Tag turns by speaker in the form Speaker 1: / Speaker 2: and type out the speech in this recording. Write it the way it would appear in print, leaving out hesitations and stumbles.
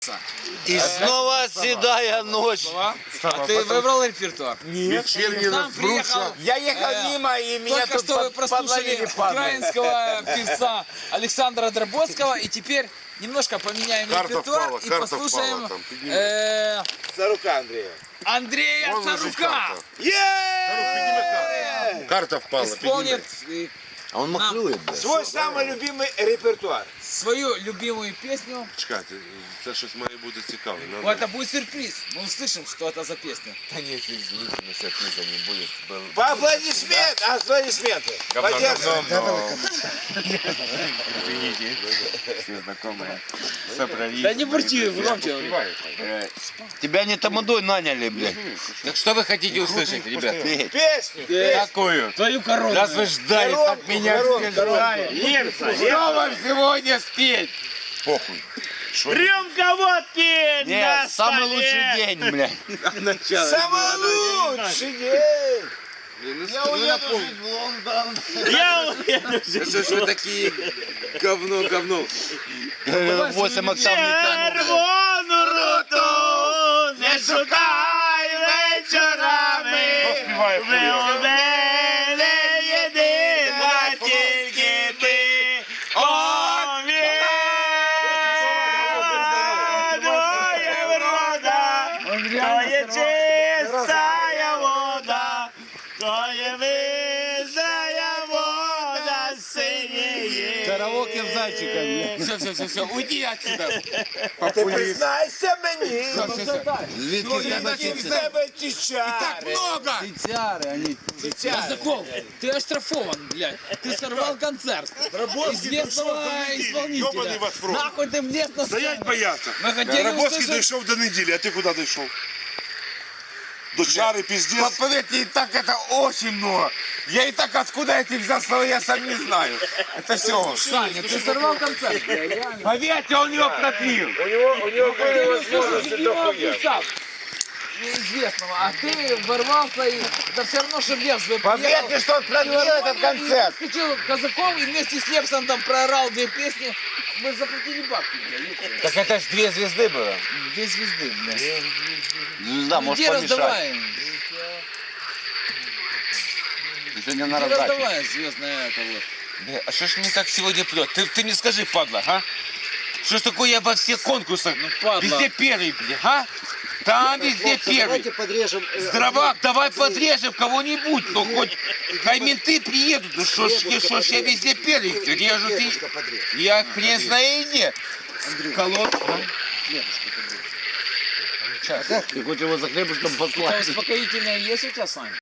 Speaker 1: И снова седая ночь.
Speaker 2: А ты выбрал репертуар?
Speaker 3: Нет.
Speaker 2: Нам приехал,
Speaker 3: Я ехал мимо, и меня
Speaker 2: только
Speaker 3: тут
Speaker 2: что вы прослушали
Speaker 3: подловили падлы.
Speaker 2: украинского певца Александра Дробоцкого. И теперь немножко поменяем репертуар и послушаем
Speaker 3: Царука Андрея.
Speaker 2: Андрея
Speaker 4: Вон лежит
Speaker 2: Царука.
Speaker 4: Карта впала.
Speaker 2: Исполнит
Speaker 1: А он махлюет, блядь.
Speaker 3: Свой самый любимый репертуар.
Speaker 2: свою любимую песню.
Speaker 4: Чекайте, це щось має бути цікаве.
Speaker 2: Ну, это будет сюрприз. Мы услышим, что это за песня.
Speaker 3: Да нет, извините, но сюрприза не будет. Аплодисменты. Поддержим.
Speaker 4: Извините. Все знакомые. Все проверили.
Speaker 2: Да не бурчи, громче.
Speaker 1: Тебя не тамадой наняли, блядь.
Speaker 5: Так что вы хотите услышать, ребят?
Speaker 3: Песню.
Speaker 5: Какую?
Speaker 2: Твою корону.
Speaker 5: Раз вы ждали, так меня все ждали. Что вам сегодня спеть?
Speaker 4: Похуй.
Speaker 6: Рюмка водки
Speaker 1: Нет,
Speaker 6: на
Speaker 1: самый
Speaker 6: столе.
Speaker 1: лучший день, блядь.
Speaker 3: Самый лучший день.
Speaker 1: Я уеду жить в Лондон.
Speaker 6: Я уеду.
Speaker 5: Что ж вы такие говно?
Speaker 1: 8 октав не тянут.
Speaker 6: Червону руту не шукай вечорами. Ви у мене єдина тільки ти. О, твоя врода, твоя чистая вода, твоя визная вода синіє.
Speaker 1: Караоке в зайчика,
Speaker 5: Все, уйди отсюда.
Speaker 3: Ти признайся мені.
Speaker 1: Звідки
Speaker 3: Я таки в тебе ті чари.
Speaker 5: Много.
Speaker 1: Цицяри, они...
Speaker 2: Казаков, ты оштрафован, блядь. Ты сорвал концерт известного исполнителя. Нахуй ты влез на
Speaker 4: Стоять
Speaker 2: сцену.
Speaker 4: бояться.
Speaker 2: Мы хотели
Speaker 4: Рабоцький
Speaker 2: услышать...
Speaker 4: дійшов до неділі, а ти куди дійшов? До чари, пиздец.
Speaker 3: Поверьте, и так это очень много. Я и так откуда эти взял слова, я сам не знаю. Это все.
Speaker 2: Саня, ты сорвал концерт.
Speaker 3: Поверьте, он его пропил.
Speaker 2: Неизвестного, а ты ворвался и... Да все равно, что Лепс бы
Speaker 3: Поверьте, что он пропил этот концерт.
Speaker 2: Включил Казаков и вместе с Лепсом там проорал 2 песни. Мы заплатили бабки, блядь.
Speaker 3: Так это ж 2 звезды было.
Speaker 2: 2 звезды, блядь.
Speaker 1: Звезда, может
Speaker 2: Где
Speaker 1: помешать.
Speaker 2: раздаваем?
Speaker 1: Ты сегодня на
Speaker 2: Где
Speaker 1: раздаче.
Speaker 2: раздаваем звездное это вот.
Speaker 5: А что ж мне так сегодня прет? Ты мне скажи, падла, а? Что ж такое я во всех конкурсах
Speaker 2: падла.
Speaker 5: везде первый, бля, а? Там везде первый.
Speaker 7: Подрежем.
Speaker 5: Здравак, давай подрежем кого-нибудь, ну хоть хай менты приедут, ну что ж я везде первый, режут и... Я хрен знаю где. Колод.
Speaker 1: Ты хочешь его за хлебушком
Speaker 2: Это
Speaker 1: послать?
Speaker 2: успокоительное есть у тебя, Сань?